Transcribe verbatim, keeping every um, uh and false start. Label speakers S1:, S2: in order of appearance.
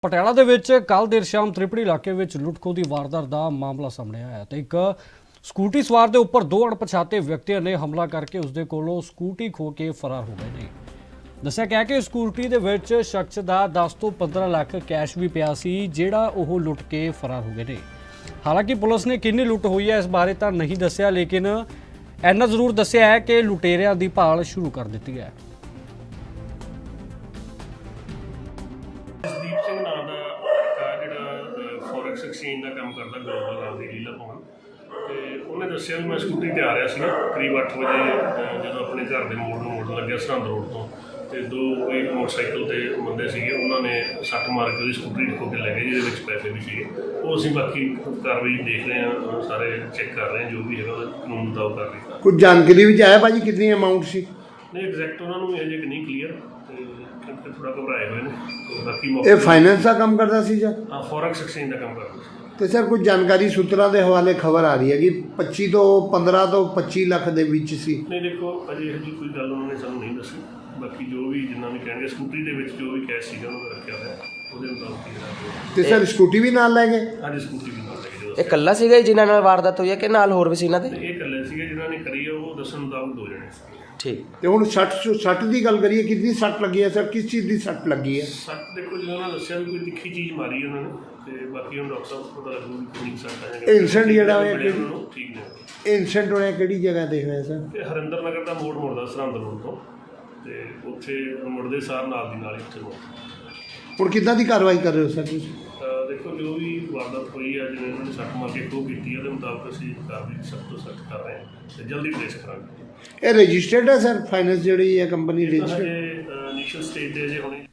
S1: ਪਟਿਆਲਾ ਦੇ ਵਿੱਚ ਕੱਲ ਦੇਰ ਸ਼ਾਮ ਤ੍ਰਿਪੜੀ ਇਲਾਕੇ ਵਿੱਚ ਲੁੱਟਖੋ ਦੀ ਵਾਰਦਾਤ ਦਾ ਮਾਮਲਾ ਸਾਹਮਣੇ ਆਇਆ ਤੇ ਇੱਕ ਸਕੂਟੀ ਸਵਾਰ ਦੇ ਉੱਪਰ ਦੋ ਅਣਪਛਾਤੇ ਵਿਅਕਤੀਆਂ ਨੇ ਹਮਲਾ ਕਰਕੇ ਉਸ ਦੇ ਕੋਲੋਂ ਸਕੂਟੀ ਖੋ ਕੇ ਫਰਾਰ ਹੋ ਗਏ ਨੇ। ਦੱਸਿਆ ਗਿਆ ਕਿ ਸਕੂਟੀ ਦੇ ਵਿੱਚ ਸ਼ਖਸ ਦਾ ਦਸ ਤੋਂ ਪੰਦਰਾਂ ਲੱਖ ਕੈਸ਼ ਵੀ ਪਿਆ ਸੀ ਜਿਹੜਾ ਉਹ ਲੁੱਟ ਕੇ ਫਰਾਰ ਹੋ ਗਏ ਨੇ। ਹਾਲਾਂਕਿ ਪੁਲਿਸ ਨੇ ਕਿੰਨੀ ਲੁੱਟ ਹੋਈ ਹੈ ਇਸ ਬਾਰੇ ਤਾਂ ਨਹੀਂ ਦੱਸਿਆ, ਲੇਕਿਨ ਇੰਨਾ ਜ਼ਰੂਰ ਦੱਸਿਆ ਹੈ ਕਿ ਲੁਟੇਰਿਆਂ ਦੀ ਭਾਲ ਸ਼ੁਰੂ ਕਰ ਦਿੱਤੀ ਹੈ।
S2: ਜਸਦੀਪ ਸਿੰਘ ਨਾਂ ਦਾ ਲੜਕਾ ਜਿਹੜਾ ਫੋਰੈਕਸ ਐਕਸਚੇਂਜ ਦਾ ਕੰਮ ਕਰਦਾ ਗਲੋਬਲ ਨਾਮ ਦੀ ਲੀਲਾ ਭਵਨ, ਤੇ ਉਹਨੇ ਦੱਸਿਆ ਵੀ ਮੈਂ ਸਕੂਟਰੀ ਤੇ ਆ ਰਿਹਾ ਸੀ ਕਰੀਬ ਅੱਠ ਵਜੇ ਜਦੋਂ ਆਪਣੇ ਘਰ ਦੇ ਮੋੜ ਨੂੰ ਮੁੜਨ ਲੱਗਿਆ ਸਰਹੰਦ ਰੋਡ ਤੋਂ, ਤੇ ਦੋ ਕੋਈ ਮੋਟਰਸਾਈਕਲ ਤੇ ਬੰਦੇ ਸੀਗੇ, ਉਹਨਾਂ ਨੇ ਸੱਟ ਮਾਰ ਕੇ ਉਹਦੀ ਸਕੂਟਰੀ ਖੋਹ ਕੇ ਲੈ ਗਏ ਜਿਹਦੇ ਵਿੱਚ ਪੈਸੇ ਵੀ ਸੀਗੇ। ਉਹ ਅਸੀਂ ਬਾਕੀ ਕਾਰਵਾਈ ਦੇਖ ਰਹੇ ਹਾਂ, ਸਾਰੇ ਚੈੱਕ ਕਰ ਰਹੇ ਹਾਂ, ਜੋ ਵੀ ਹੈਗਾ ਉਹਦਾ ਕਾਨੂੰਨ ਮੁਤਾਬਕ ਕਰ ਰਹੇ ਹਾਂ।
S3: ਕੁਝ ਜਾਣਕਾਰੀ ਵਿੱਚ ਆਇਆ ਭਾਜੀ ਕਿੰਨੀ ਅਮਾਊਂਟ ਸੀ?
S2: ਨਹੀਂ ਐਗਜ਼ੈਕਟ ਉਹਨਾਂ ਨੂੰ ਅਜੇ ਨਹੀਂ ਕਲੀਅਰ, ਤੇ ਥੋੜਾ ਘਬਰਾਏ ਹੋਏ ਨੇ। ਬਾਕੀ
S3: ਇਹ ਫਾਈਨੈਂਸ ਦਾ ਕੰਮ ਕਰਦਾ ਸੀ ਜਾਂ
S2: ਹਾਂ ਫੋਰੈਕਸ ਐਕਸਚੇਂਜ ਦਾ ਕੰਮ ਕਰਦਾ ਸੀ।
S3: ਤੇ ਸਰ ਕੁਝ ਜਾਣਕਾਰੀ ਸੂਤਰਾਂ ਦੇ ਹਵਾਲੇ ਖਬਰ ਆ ਰਹੀ ਹੈ ਕਿ ਪੱਚੀ ਤੋਂ ਪੰਦਰਾਂ ਤੋਂ ਪੱਚੀ ਲੱਖ ਦੇ ਵਿੱਚ ਸੀ।
S2: ਨਹੀਂ ਦੇਖੋ ਅਜੇ ਇਹੋ ਜਿਹੀ ਕੋਈ ਗੱਲ ਉਹਨਾਂ ਨੇ ਸਾਨੂੰ ਨਹੀਂ ਦੱਸੀ, ਬਾਕੀ ਜੋ ਵੀ ਜਿੰਨਾ ਵੀ ਕਹਿਣਗੇ ਸਕੂਟਰੀ ਦੇ ਵਿੱਚ ਜੋ ਵੀ ਕੈਸ਼ ਸੀਗਾ ਉਹਨਾਂ ਦਾ ਰੱਖਿਆ ਹੋਇਆ ਉਹਦੇ ਮੁਤਾਬਕ ਹੀ ਕਰਾਂਗੇ।
S3: ਤੇ ਸਰ ਸਕੂਟੀ ਵੀ ਨਾਲ ਲੈ ਗਏ?
S2: ਹਾਂਜੀ ਸਕੂਟਰੀ ਵੀ ਨਾਲ ਲੈ ਗਏ।
S4: ਇਹ ਇਕੱਲਾ ਸੀਗਾ ਜੀ ਜਿਨ੍ਹਾਂ ਨਾਲ ਵਾਰਦਾਤ ਹੋਈ ਹੈ ਕਿ ਨਾਲ ਹੋਰ ਵੀ ਸੀ ਇਹਨਾਂ ਦੇ?
S2: ਇਹ ਇਕੱਲੇ ਸੀਗੇ ਜਿਨ੍ਹਾਂ ਨੇ ਕਰੀ ਹੈ, ਉਹ ਦੱਸਣ ਮੁਤਾਬਕ ਦੋ ਜਣੇ ਸੀ।
S4: ਠੀਕ।
S3: ਤੇ ਹੁਣ ਸੱਟ ਸੱਟ ਦੀ ਗੱਲ ਕਰੀਏ, ਕਿੰਨੀ ਸੱਟ ਲੱਗੀ ਹੈ ਸਰ? ਕਿਸ ਚੀਜ਼ ਦੀ ਸੱਟ ਲੱਗੀ ਹੈ?
S2: ਸੱਟ ਦੇਖੋ ਜਿਵੇਂ ਉਹਨਾਂ ਦੱਸਿਆ ਵੀ ਕੋਈ ਤਿੱਖੀ ਚੀਜ਼ ਮਾਰੀ ਉਹਨਾਂ ਨੇ, ਤੇ ਬਾਕੀ ਹੁਣ ਡਾਕਟਰ ਸਾਹਿਬ ਪਤਾ ਲੱਗੂ ਵੀ ਕਿੰਨੀ ਸੱਟ ਹੈ।
S3: ਇਹ ਇਨਸੀਡੈਂਟ ਜਿਹੜਾ ਹੋਇਆ
S2: ਕਿ
S3: ਕਿ
S2: ਠੀਕ ਨੇ।
S3: ਇਹ ਇਨਸੀਡੈਂਟ ਹੋਇਆ ਕਿਹੜੀ ਜਗ੍ਹਾ ਤੇ ਹੋਇਆ ਸਰ?
S2: ਇਹ ਹਰਿੰਦਰ ਨਗਰ ਦਾ ਮੋੜ ਮੁੜਦਾ ਸਰਹੰਦ ਰੋਡ ਤੋਂ, ਤੇ ਉੱਥੇ ਮੁੜਦੇ ਸਾਰ ਨਾਲ ਦੀ ਨਾਲ ਹੀ ਉੱਥੇ ਮੋੜ।
S3: ਹੁਣ ਕਿੱਦਾਂ ਦੀ ਕਾਰਵਾਈ ਕਰ ਰਹੇ ਹੋ ਸਰ ਤੁਸੀਂ?
S2: ਅਹ ਦੇਖੋ ਜੋ ਵੀ ਵਾਰਦਾਤ ਹੋਈ ਹੈ, ਜਿਵੇਂ ਉਹਨਾਂ ਨੇ ਸੱਟ ਮਾਰ ਕੇ ਖੋਹ ਕੀਤੀ ਹੈ, ਉਹਦੇ ਮੁਤਾਬਕ ਅਸੀਂ ਕਾਰਵਾਈ ਸਖਤ ਤੋਂ ਸਖਤ ਕਰ ਰਹੇ ਹਾਂ ਤੇ ਜਲਦੀ ਟ੍ਰੇਸ ਕਰਾਂਗੇ।
S3: ਇਹ ਰਜਿਸਟਰਡ ਹੈ ਸਰ? ਫਾਈਨੈਂਸ ਜਿਹੜੀ ਹੈ ਕੰਪਨੀ ਰਜਿਸਟਰਡ?
S2: ਹਜੇ ਇਨੀਸ਼ੀਅਲ ਸਟੇਜ ਤੇ ਜੇ ਹੋਣੀ